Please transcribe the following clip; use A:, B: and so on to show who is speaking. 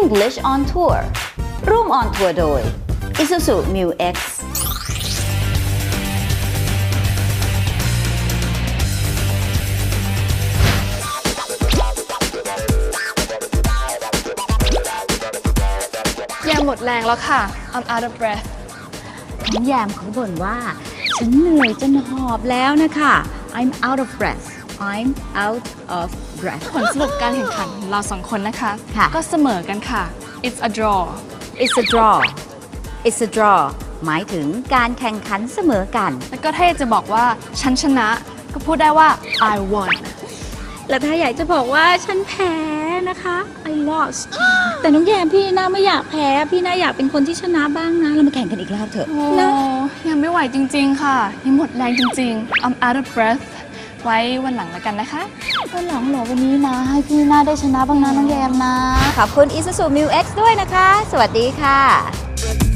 A: English on Tour ร่วม on tour โดย Isuzu Mu X
B: แยมหมดแรงแล้วค่ะ I'm out of breath
A: น้องแยมเขาบ่นว่าฉันเหนื่อยจนหอบแล้วนะคะ I'm out of breath I'm out of breath
B: ผลสรุปการแข่งขันของเราสองคนนะคะ
A: ค่ะ
B: ก็เสมอกันค่ะ It's a draw
A: It's a draw It's a draw หมายถึงการแข่งขันเสมอกัน
B: แล้วก็ถ้าอยากจะบอกว่าฉันชนะก็พูดได้ว่า I won
A: และถ้าอยากจะบอกว่าฉันแพ้นะคะ I lost แต่น้องแยมพี่น่าไม่อยากแพ้พี่น่าอยากเป็นคนที่ชนะบ้างนะเรามาแข่งกันอีกรอบเถอะ
B: โอ้
A: นะ
B: ยังไม่ไหวจริงๆค่ะยังหมดแรงจริงๆ I'm out of breath ไว้วันหลังแล้วกันนะคะ
A: วันหลังเหรอวันนี้นะให้พี่น่าได้ชนะบ้างนะน้องแยมนะขอบคุณ Isuzu Mu X ด้วยนะคะสวัสดีค่ะ